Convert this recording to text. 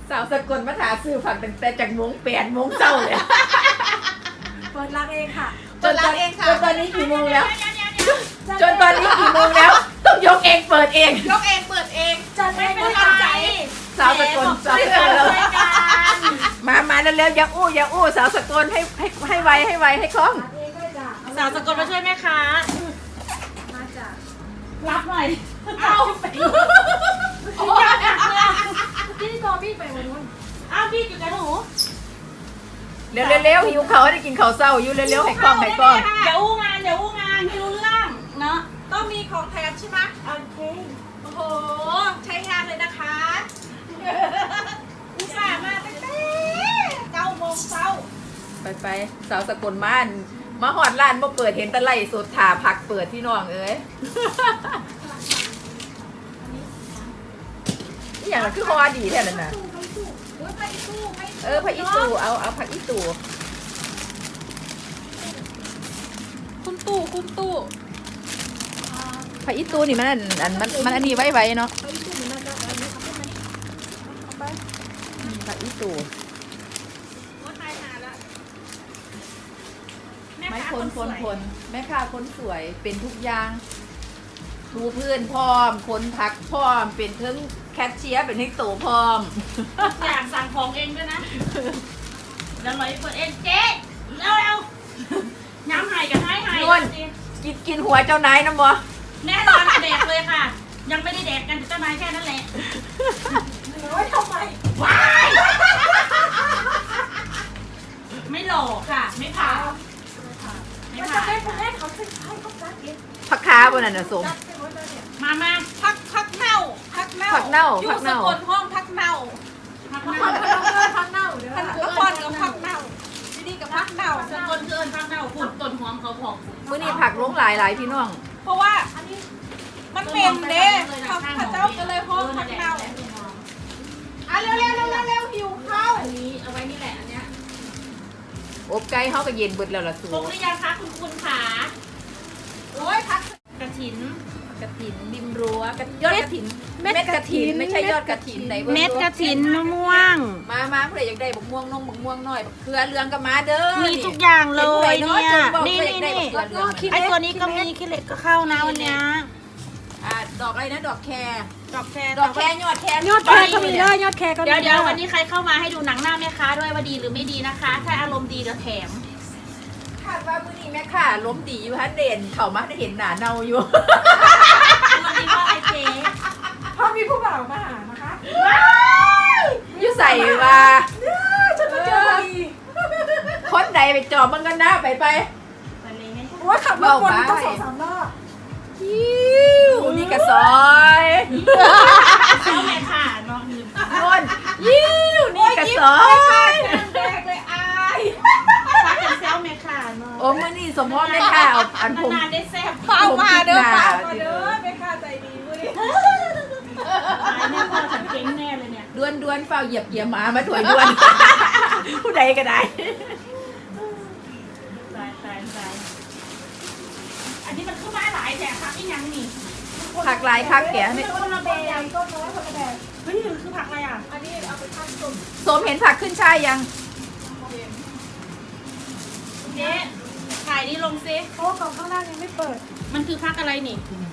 สาวสกลมาถาซื้อผักตั้งแต่จากโมง8 โมงเช้าเลยเปิดร้านเองค่ะจนตอนนี้กี่โมงแล้วจนตอนนี้กี่โมงแล้วต้องยกเองเปิดเองจัดเองเป็นกำลังใจสาวสกลสาวสกลมาเร็วๆอย่าอู้สาวสกลให้ไวให้คล่องสาวสกลมาช่วยแม่ค้ามาจ้ะรับหน่อยเอาไปที่กอบี้ไปวันนู้นอ้าวพี่อยู่กับหนูเร็วหิวเขาได้กินข้าวเศร้าอยู่เร็วให้คล่องเดี๋ยวอู้งานไม่รู้เรื่องเนาะต้องมีของแถมใช่ไหมโอเคโอ้โหใช้งานเลยนะคะอุตส่าห์มาตั้งแต่9 โมงเช้าไปสาวสกลมาหอดร้านมาเปิดเห็นตะไลสดถาผักเปิดที่น้องเอ้ยนี่อย่างนั้นคือฮอดีแท้นั่นน่ะผักอีตูเอาผักอีตูคุณตู้ผักอีตูนี่มันอันนี้ไว้เนาะผักอีตูไม่คนแม่ค้าคนสวยเป็นทุกอย่างทูพื้นพร้อมคนผักพร้อมเป็นทั้งแคชเชียร์เป็นทั้งโตพร้อมอยากสั่งของเองด้วยนะเดี๋ยวเราเปิดเองเจ๊เร็วย้ำไห้กับไห้กินหัวเจ้านายนะบ่แน่นอนแดกเลยค่ะยังไม่ได้แดกกันเจ้านายแค่นั้นแหละโอ้ยทำไมว้ายไม่หลอกค่ะไม่ผ่ามันจะเป็นแม่เขาจะให้เขาจัดเองผักค้าบนนั้นน่ะสมมาพักเน่าอยู่สกลห้องพักเน่าพักเน่าเดี๋ยวละครกับพักเน่าดีกับพักเน่าสกลเกินพักเน่าฝุ่นต้นหอมเขาผอกมื้อนี้ผักล้มหลายพี่น้องเพราะว่ามันเป็นเด้ข้าเจ้าก็เลยห้องพักเน่าเร็วหิวข้าวอันนี้เอาไว้นี่แหละอันเนี้ยอบไก่เขาก็เย็นเบิดแล้วล่ะสูปกหรือยังคะคุณขาโอ้ยพักกระถินริมรั้วยอดกระถินเม็ดกระถินไม่ใช่ยอดกระถินไหนเม็ดกระถินมะม่วงมาผู้ใดอยากได้บักม่วงหน่อยเครือเรืองก็มาเด้อมีทุกอย่างเลยเนี่ยนี่ไอตัวนี้ก็มีขี้เหล็กก็เข้านะวันนี้ดอกอะไรนะดอกแคร์ยอดแคร์ก็มีเลยยอดแคร์ก็มีเดี๋ยววันนี้ใครเข้ามาให้ดูหนังหน้าแม่ค้าด้วยว่าดีหรือไม่ดีนะคะถ้าอารมณ์ดีเดี๋ยวแถมคาดว่ามื้อนี้แม่ค่ะล้มดีอยู่ฮะเด่นเขามาได้เห็นหนาเน่าอยู่วันนี้ว่าไอเจ๊พอมีผู้บ่าวมาหานะคะยู่ใส่ว่าฉันมาเจอพอดีคนใดไปจอบมันกันหน้าไปว่าขับรถวนต้อง2-3 รอบนี่กระซอยเข้าแม่ค่ะน้องยืนนี่กระซอยแดกเลยอายซักกันเซลแม่ค่ะน้องโอ้มื่อนี่สมมติแม่ค่ะเอาอันผมนานได้แซ่บข้าวมาเด้อแม่ค่ะใจดีมื้อนี้ตายแน่พ่อฉันเก่งแน่เลยเนี่ยด้วนเฝ้าเหยียบมาถวยด้วนผู้ใดก็ได้ตายอันนี้มันขึ้นมาหลายแต่ผักอีกอย่างนี่ผักลายผักแก่ไม่ต้นละแบบต้นน้อยคนละแบบเฮ้ยมันคือผักอะไรอ่ะอันนี้เอาไปทำส้มสมเห็นผักขึ้นช่ายยังเจ๊ถ่ายนี่ลงซิเพราะว่ากล่องข้างล่างยังไม่เปิดมันคือผักอะไรนี่